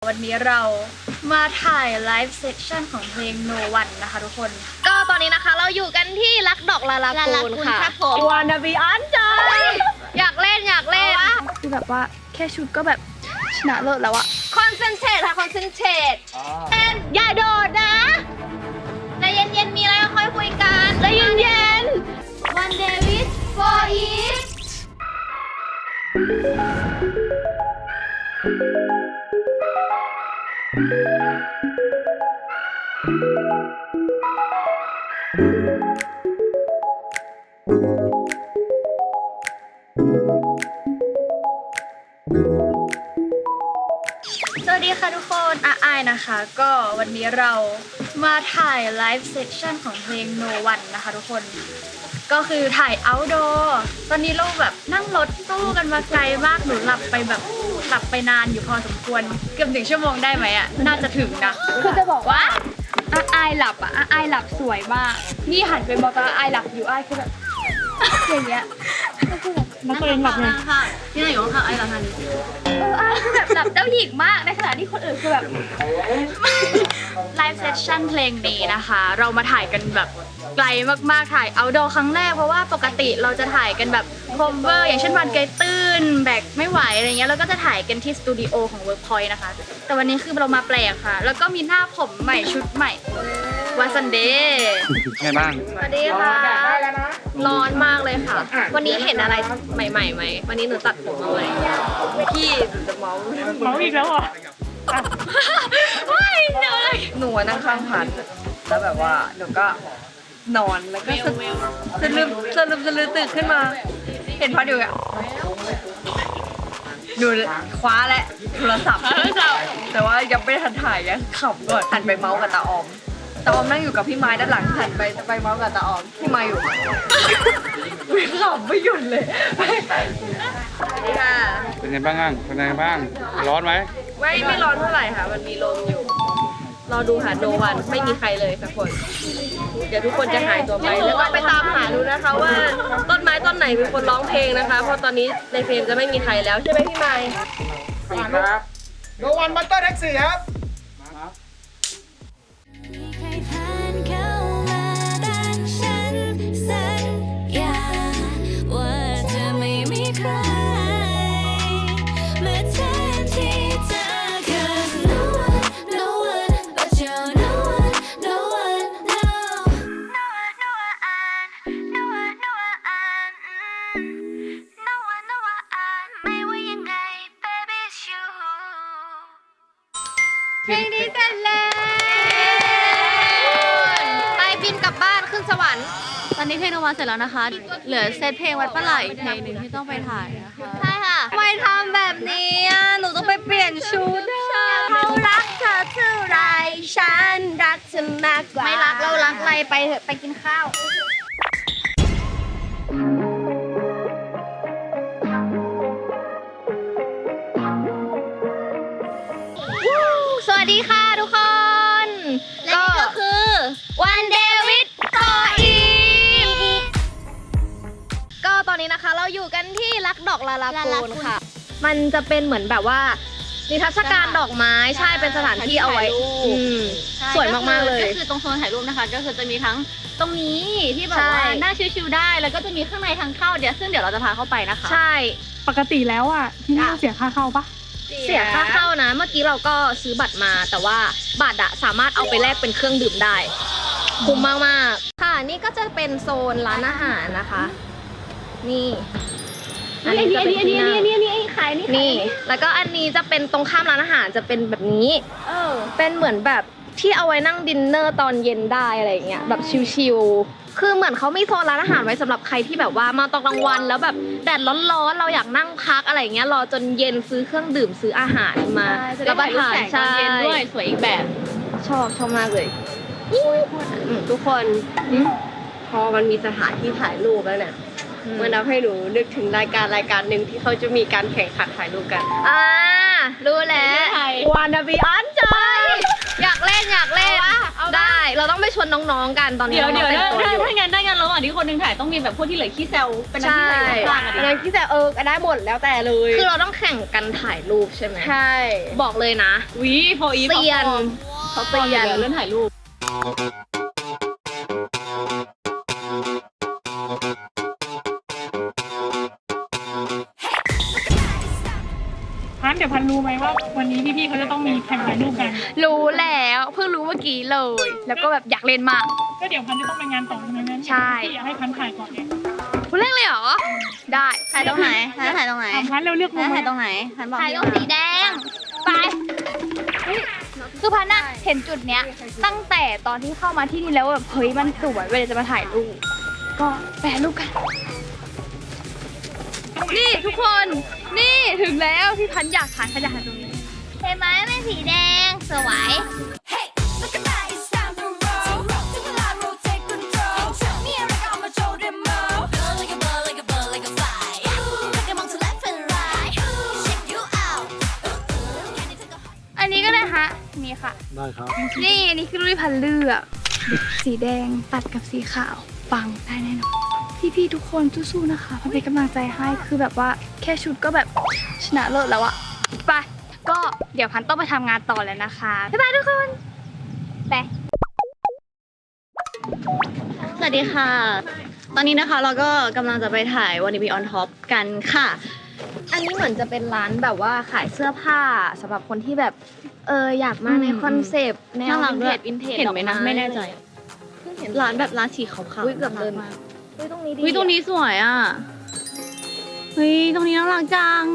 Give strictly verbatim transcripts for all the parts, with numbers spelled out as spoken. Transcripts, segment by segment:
วันนี้เรามาถ่ายไลฟ์เซสชั่นของเพลง No One นะคะทุกคนก็ตอนนี้นะคะเราอยู่กันที่รักดอกลาลากูนค่ะวานาบีอันใจอยากเล่นอยากเล่นคือแบบว่าแค่ชุดก็แบบชนะเลิศแล้วอะคอนเซนเทรตค่ะคอนเซนเทรตเล่นอย่าโดดนะใจเย็นๆมีอะไรค่อยคุยกันใจเย็นๆ One day with for it สวัสดีค่ะทุกคนอาไอนะคะก็วันนี้เรามาถ่ายไลฟ์เซสชั่นของเพลง No One นะคะทุกคนก็คือถ่าย outdoor ตอนนี้เราแบบนั่งรถตู้กันมาไกลมากหนูหลับไปแบบหลับไปนานอยู่พอสมควรเกือบถึงชั่วโมงได้ไหมอะน่าจะถึงนะคือจะบอกว่าอาไอหลับอะอาไอหลับสวยมากนี่หันไปมองตาอาไอหลับอยู่อาไอคือแบบอย่างเงี้ยแล้วตัวเองหลับไงที่ไหนอยู่ข้างๆไอ้เราทันเอออาคือแบบหลับเจ้าหญิงมากในขณะที่คนอื่นคือแบบไลฟ์เซสชั่นเพลงนี้นะคะ เรามาถ่ายกันแบบไกลมากๆถ่ายเอาท์ดอร์ครั้งแรกเพราะว่าปกติเราจะถ่ายกันแบบโคเวอร์อย่างเช่นวันไกลตื้นแบกไม่ไหวอะไรเงี้ยแล้วก็จะถ่ายกันที่สตูดิโอของ Workpoint นะคะแต่วันนี้คือเรามาแปลกค่ะแล้วก็มีหน้าผมใหม่ชุดใหม่วันซันเดย์ไงบ้างสวัสดีค่ะร้อนมากเลยค่ะ วันนี้เห็นอะไรใหม่ๆไหมวันนี้หนูตัดผมมาใหม่พี่จะเมาเมาอีกแล้วเหรอไม่เดี๋ยวเลยหนูนั่งข้างพัดแล้วแบบว่าหนูก็นอนแล้วก็สะลึมสะลึมสะลือตื่นขึ้นมา เห็นพัดอยู่อ่ะหนูคว้าและโทรศัพท์แต่ว่ายังไม่ทันถ่ายยังขับก่อนหันไปเมาส์กับตาออมตาออมนั่งอยู่กับพี่ไม้ด้านหลังหันไปจะไปเมาส์กับตาออมพี่ไม้อยู่วิ่งขับไม่หยุดเลยค่ะเป็นไงบ้างอ่ะเป็นไงบ้าง ร้อนไหมไม่ไม่ร้อนเท่าไหร่ค่ะมันมีลมอยู่รอดูหาโนวันไม่มีใครเลยสักคนเดี๋ยวทุกคนจะหายตัวไปแล้วก็ไปตามหาดูนะคะว่าต้นไม้ต้นไหนเป็นคนร้องเพลงนะคะ เพราะตอนนี้ในเฟรมจะไม่มีใครแล้วใช่ไหมพี่ไม้ครับโนวันบัตเตอร์แท็กซี่ครับใครผ่านเข้ามาแต่ฉันสัญญาว่าจะไม่มีใครเมื่อแทนที่เธอ 'cause no one no one but you no one no one no no one no one no one no one no one no one ไม่ว่ายังไง baby it's you เพลงนี้เสร็จแล้วไปบินกลับบ้านขึ้นสวรรค์ตอนนี้เพลงนวันเสร็จแล้วนะคะ เหลือเซตเพลงวัดปลาไหลอีกเพลงหนึ่งที่ต้องไปถ่ายนะคะใช่ค่ะทำไมทำแบบนี้อ่ะหนูต้องไปเปลี่ยนชุดเขารักเธอเท่าไรฉันรักเธอมากกว่าไม่รักเรารักอะไรไปเถอะไปกินข้าวสวัสดีค่ะทุกคนและนี่ก็คือ One Day with for it ก็ตอนนี้นะคะเราอยู่กันที่รักดอกลาลากูนค่ะ มันจะเป็นเหมือนแบบว่านิทรรศการดอกไม้ใช่เป็นสถานที่เอาไว้อืมสวยมากๆเลยก็คือตรงโซนถ่ายรูปนะคะ ก็คือจะมีทั้งตรงนี้ที่แบบว่าใช่นั่งชิวๆได้ แล้วก็จะมีข้างในทางเข้าเดี๋ยวซึ่งเดี๋ยวเราจะพาเข้าไปนะคะใช่ปกติแล้วอ่ะที่นี่เสียค่าเข้าปะเสียค่าเข้านะ เมื่อกี้เราก็ซื้อบัตรมาแต่ว่าบัตรอะสามารถเอาไปแลกเป็นเครื่องดื่มได้คุ้มมากๆค่ะนี่ก็จะเป็นโซนร้านอาหารนะคะ นี่อันนี้จะเป็นที่นั่งนี่นี่ขายนี่นี่แล้วก็อันนี้จะเป็นตรงข้ามร้านอาหารจะเป็นแบบนี้เป็นเหมือนแบบที่เอาไว้นั่งดินเนอร์ตอนเย็นได้อะไรอย่างเงี้ยแบบชิลๆคือเหมือนเขามีโซนร้านอาหารไว้สำหรับใครที่แบบว่ามาตอนกลางวันแล้วแบบแดดร้อนๆเราอยากนั่งพักอะไรอย่างเงี้ยรอจนเย็นซื้อเครื่องดื่มซื้ออาหารมาจะแล้ได้วก็ถ่ายรูปทานแสงตอนเย็นด้วยสวยอีกแบบชอบชอบมากเลยทุกคนพอมันมีสถานที่ถ่ายรูปแล้วเนี่ยมันทำให้หนูนึกถึงรายการรายการหนึ่งที่เขาจะมีการแข่งขันถ่ายรูปกันอ่ารู้แล้ววานาบีอันใจอยากเล่นอยากเล่นได้เราต้องไปชวนน้องๆกันตอนนี้เดี๋ยวเดี๋ยวน้ถ้าองๆแต่งตัวอยู่ถ้างั้นได้งั้นระหว่างที่คนหนึงถ่ายต้องมีแบบพวกที่เหลือขี้แซวเป็นหน้าใช่ที่ใส่ข้างๆอะดิอันนั้นที่แต่เออได้หมดแล้วแต่เลยคือเราต้องแข่งกันถ่ายรูปใช่ไหมใช่บอกเลยนะวิโฟอีฟเซียนเขาเซียนเรื่องถ่ายรูปพันเดี๋ยวพันรู้ไหมว่าวันนี้พี่ๆเขาจะต้องมีแข่งถ่ายรูปกันรู้แล้วเพิ่งรู้เมื่อกี้เลย แล้วก็แบบอยากเล่นมากก็เดี๋ยวพันจะต้องไปงานต่อใช่ไหมงั้นใช่พี่อยากให้พันถ่ายก่อนเนี่ยคุณเล่นเลยเหรอ ได้ถ่ายตรงไหนถ่ายถ่ายตรงไหนเอาพันเร็วเลือกมุมถ่ายตรงไหนพันบอกถ่ายตรงสีแดง ไปเฮ้ยคือพันน่ะเห็นจุดเนี้ย ตั้งแต่ตอนที่เข้ามาที่นี่แล้วแบบเฮ้ยมันสวยเวลาจะมาถ่ายรูป ก็แปะรูปกัน นี่ทุกคน นี่ถึงแล้วที่พันอยากถ่ายพันอยากถ่ายตรงนี้เห็นไหมเป็นสีแดงสวย Hey, look at that, it's time to roll. To the line, roll, take control. Me and Rick, I'ma show them more. Go like a bird, like a bird, like a fly. Take 'em on to left and right. Shake you out. Can you take a อันนี้ก็ได้ฮะ นี่ค่ะได้ครับนี่อันนี้คือรูปที่พันเลือกสีแดงตัดกับสีขาวปังได้แน่นอนพี่ๆทุกคนสู้ๆนะคะพันเป็นกำลังใจให้คือแบบว่าแค่ชุดก็แบบชนะเลิศแล้วอะไปก็เดี๋ยวพันต้องไปทำงานต่อแล้วนะคะบ๊ายบายทุกคนไปสวัสดีค่ะ ตอนนี้นะคะเราก็กำลังจะไปถ่าย Wanna Be on Top กันค่ะอันนี้เหมือนจะเป็นร้านแบบว่าขายเสื้อผ้าสำหรับคนที่แบบเอออยากมาในคอนเซปต์แนวน่ารักวินด้เทวยจวินเทจเห็นไหมนะไม่แน่ใจเพิ่งเห็นร้านแบบร้านสีขาวๆอุ๊ยเกือบเดินมากเฮ้ยตรงนี้ดีเฮ้ยตรงนี้สวยอ่ะ เฮ้ยตรงนี้น่ารักจัง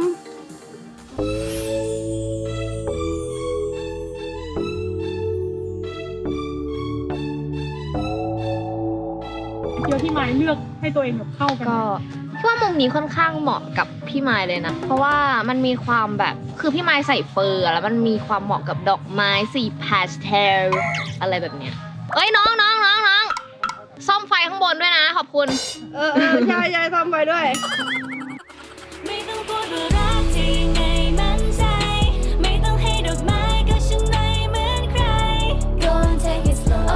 เดี๋ยวที่หมายเลือกให้ตัวเองแบบเข้ากันก็คิดว่ามุมนี้ค่อนข้างเหมาะกับพี่ไม้เลยนะ เพราะว่ามันมีความแบบคือพี่ไม้ใส่เฟอร์อะแล้วมันมีความเหมาะกับดอกไม้สีพาสเทลอะไรแบบเนี้ยเอ้ยน้องน้องน้องน้องซ่อมไฟข้างบนด้วยนะ ขอบคุณเออเออใช่ใช่ทำไปด้วยไม่ต้องพูดว่ารักที่ยังไงมั่นใจ ไม่ต้องให้ดอกไม้ก็ฉันไม่เหมือนใคร Go and take it slow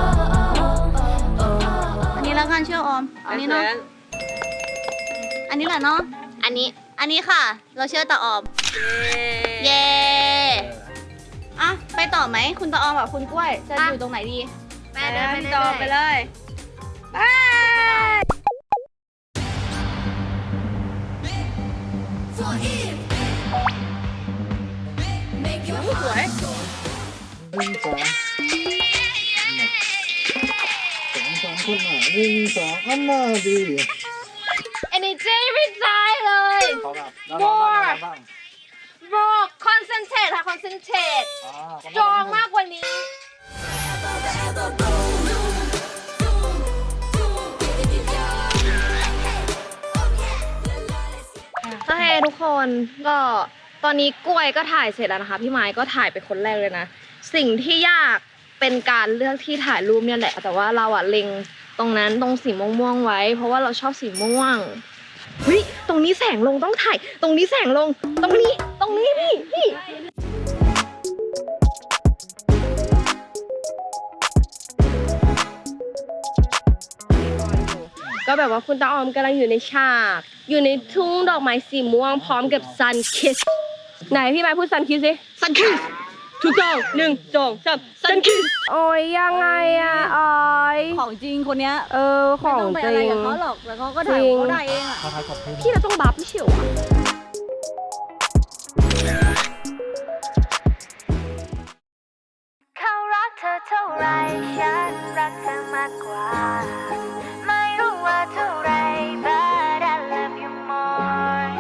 อันนี้แล้วกันเชื่อออม อันนี้เนาะ อันนี้แหละเนาะอันนี้อันนี้ค่ะ เราเชื่อตาออม เย้อ่ะไปต่อไหม คุณตาออมกับคุณกล้วย จะอยู่ตรงไหนดีแม่เดินไปพี่เรื่ต่ออยไปเลย For if Make your สวยหนึ่งสองสองสองคนหนาหนึ่งสองอันมาดีๆ energy ไม่ได้เลยเขาแบบแล้วเราบ้างแล้วเราบ้างบอก concentrate ค่ะ concentrate อ่าจองมากกว่านี้ forever boom boom boom boom if you go Oh yeah Let's โอเคทุกคนก็ตอนนี้กล้วยก็ถ่ายเสร็จแล้วนะคะ พี่ไม้ก็ถ่ายไปคนแรกเลยนะ สิ่งที่ยากเป็นการเลือกที่ถ่ายรูปเนี่ยแหละ แต่ว่าเราอะเล็งตรงนั้นตรงสีม่วงๆไว้ เพราะว่าเราชอบสีม่วงเฮ้ยตรงนี้แสงลงต้องถ่าย ตรงนี้แสงลง ตรงนี้ตรงนี้พี่พี่ก็แบบว่าคุณตาออมกำลังอยู่ในฉาก อยู่ในทุ่งดอกไม้สีม่วงพร้อมกับ sun kiss ไหนพี่ไม้พูด sun kiss สิ sun kiss ถูกต้องหนึ่งสองสาม sun kiss โอ้ยยังไงอะออยของจริงคนเนี้ยเออของไม่ต้องไปจอะไรริงกับเขาหรอกแล้วเขาก็ถ่ายจริงเขาได้เองอ่ะเขาถ่ายขอบคุณพี่เราต้องบัฟไม่เฉียวอะเขารักเธอเท่าไรฉันรักเธอมากกว่า ไม่รู้ว่าเท่าไร but I love you more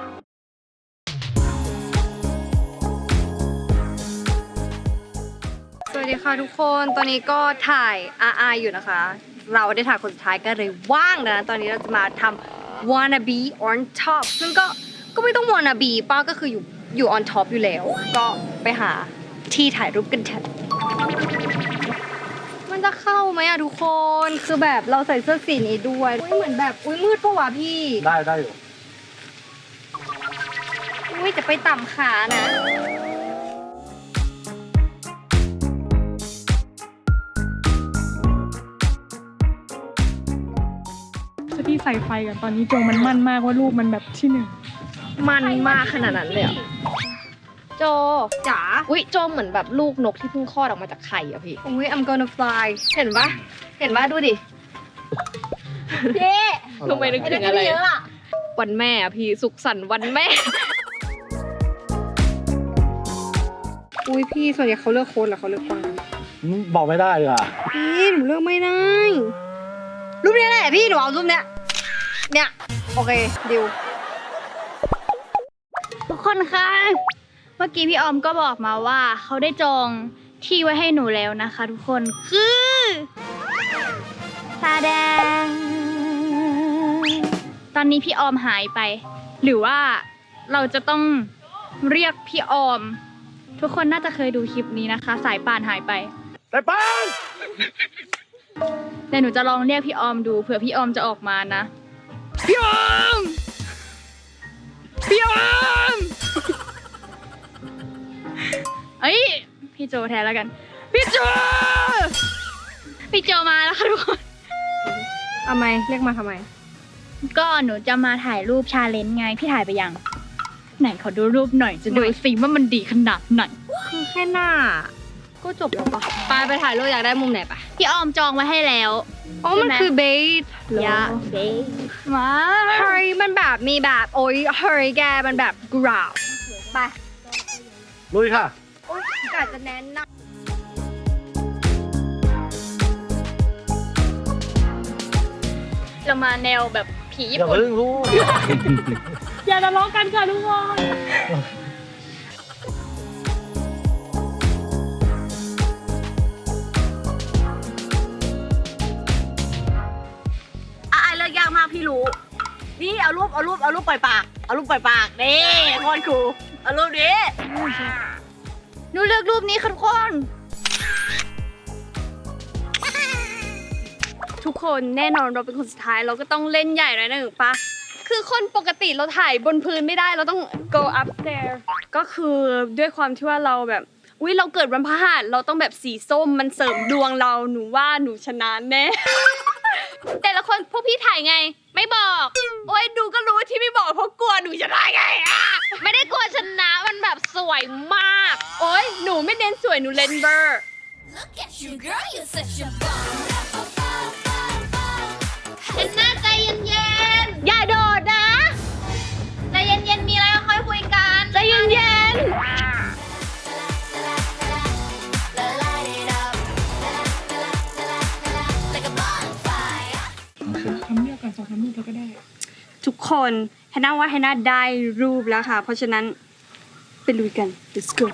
สวัสดีค่ะทุกคนตอนนี้ก็ถ่าย อาร์ ไอ อยู่นะคะ เราได้ถ่ายคนสุดท้ายก็เลยว่างนะตอนนี้เราจะมาทำ wanna be on top ซึ่งก็ก็ไม่ต้อง wanna be ป้าก็คืออยู่อยู่ on top อยู่แล้ว ก็ไปหาที่ถ่ายรูปกันเถอะมันจะเข้าไหมอะทุกคนคือแบบเราใส่เสื้อสีนี้ด้วยอุ้ยเหมือนแบบอุ้ยมืดปะวะพี่ได้ได้อยู่อุ้ยจะไปต่ำขานะเใส่ไฟกันตอนนี้โจมันมั่นมากว่ารูปมันแบบที่หนึ่งมันมากขนาดนั้นเลยอะโจจ๋าอุ้ยโจเหมือนแบบลูกนกที่เพิ่งคลอดออกมาจากไข่อะพี่อุ้ย I'm gonna fly เห็นปะเห็นปะดูดิเย้ทำไมนึกถึงอะไรวันแม่อะพี่สุขสันต์วันแม่อุ้ยพี่ส่วนใหญ่เขาเลือกโค้ดหรือเขาเลือกฟังบอกไม่ได้ดีกว่าพี่หนูเลือกไม่ได้ รูปนี้แหละพี่หนูเอารูปเนี้ยเนี่ยโอเคดิวทุกคนคะเมื่อกี้พี่ออมก็บอกมาว่าเขาได้จองที่ไว้ให้หนูแล้วนะคะ ทุกคนคือตาแดงตอนนี้พี่ออมหายไป หรือว่าเราจะต้องเรียกพี่ออม ทุกคนน่าจะเคยดูคลิปนี้นะคะ สายป่านหายไปแต่ป้านแต่หนูจะลองเรียกพี่ออมดูเผื่อพี่ออมจะออกมานะพี่ออมพี่ออมเอ้ยพี่โจแทนแล้วกันพี่โจพี่โจมาแล้วค่ะทุกคนทำไมเรียกมาทำไมก็หนูจะมาถ่ายรูปชาเลนจ์ไงพี่ถ่ายไปยังไหนขอดูรูปหน่อยจะดูสิว่ามันดีขนาดไหนคือแค่หน้าก็จบแล้วปะไปไปถ่ายรูปอยากได้มุมไหนปะพี่ออมจองไว้ให้แล้วอ๋อมันคือเบสยะเบสมาเฮ้ยมันแบบมีแบบโอ้ยเฮ้ยแกมันแบบกราวไปลุยค่ะโอ๊ยกาจะแน่นนะเรามาแนวแบบผีญี่อย่าปุ่นเพิ่งรู้อย่าทะเลาะกันค่ะทุกคนอ่ะไอเลือกยากมากพี่รู้ นี่เอารูปเอารูปเอารูปปล่อยปาก เอารูปปล่อยปากนี่โคตรคูลเอารูปนี้หนูเลือกรูปนี้ค่ะทุกคนทุกคนแน่นอนเราเป็นคนสุดท้ายเราก็ต้องเล่นใหญ่หน่อยนะหนึ่งปะคือคนปกติเราถ่ายบนพื้นไม่ได้เราต้อง go upstairs ก็คือด้วยความที่ว่าเราแบบอุ้ยเราเกิดวันพฤหัสเราต้องแบบสีส้มมันเสริมดวงเราหนูว่าหนูชนะแน่ แต่ละคนพวกพี่ถ่ายไง ไม่บอก โอ้ยดูก็รู้ที่ไม่บอกเพราะกลัวหนูชนะไงอะไม่ได้กลัวชนะมันแบบสวยมาก โอ้ยหนูไม่เน้นสวยหนูเล่นเบอร์ เป็นหน้าใจเย็นๆ อย่าโดดนะ ใจเย็นๆ มีอะไรก็ค่อยคุยกัน ใจเย็นๆทำเลือกก่อนสองสามรูปแล้วก็ได้ทุกคนแฮนน่าว่าแฮนน่าได้รูปแล้วค่ะ เพราะฉะนั้นไปลุยกัน let's go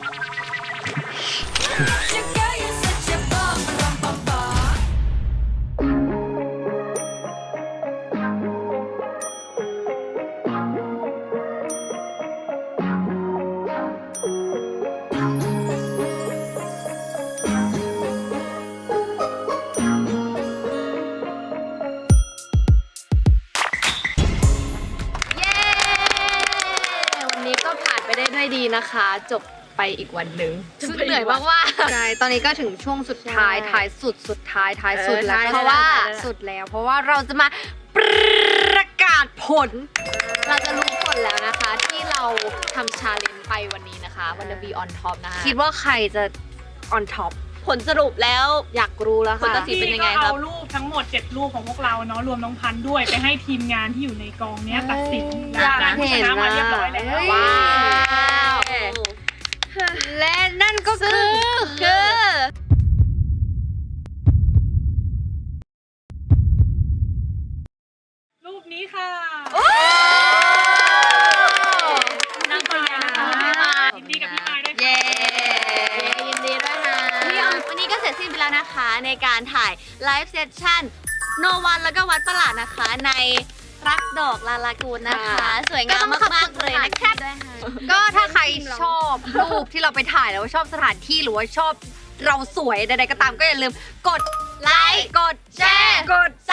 วันนี้ก็ผ่านไปได้ด้วยดีนะคะ จบไปอีกวันหนึ่งซึ่งเหนื่อยมากว่าใช่ ตอนนี้ก็ถึงช่วงสุดท้ายใช่ท้ายสุด สุดท้าย ท้ายสุดเออแล้วใช่เพราะว่าได้ได้ได้สุดแล้ว เพราะว่าเราจะมาประกาศผลเราจะรู้ผลแล้วนะคะ ที่เราทำชาเลนจ์ไปวันนี้นะคะวันเดอร์บีออนท็อปนะคะคิดว่าใครจะ on top ผลสรุปแล้วอยากรู้แล้วผลค่ะตัดสิน เป็นยังไงพี่ก็ครับเอารูปทั้งหมดเจ็ดรูปของพวกเราเนาะรวมน้องพันธุ์ด้วยไปให้ทีมงานที่อยู่ในกองเนี้ยตัดสินอยากได้ผู้ชเห็นนะมานะเรียบร้อยแล้วว้าว และนั่นก็คือคือรูปนี้ค่ะนั่งตัวอย่างนะคะยินดีกับพี่มายด้วยค่ะเย้ยินดีด้วยนะวันนี้ก็เสร็จสิ้นไปแล้วนะคะในการถ่ายไลฟ์เซสชั่นโนวันแล้วก็วัดประหลาดนะคะ ในรักดอกลาลากูนนะคะ สวยงามมากๆเลยนะคะด้วยค่ะก็ถ้าใครชอบรูปที่เราไปถ่ายแล้วชอบสถานที่หรือว่าชอบเราสวยใดๆก็ตามก็อย่าลืมกดไลค์ กดแชร์ กด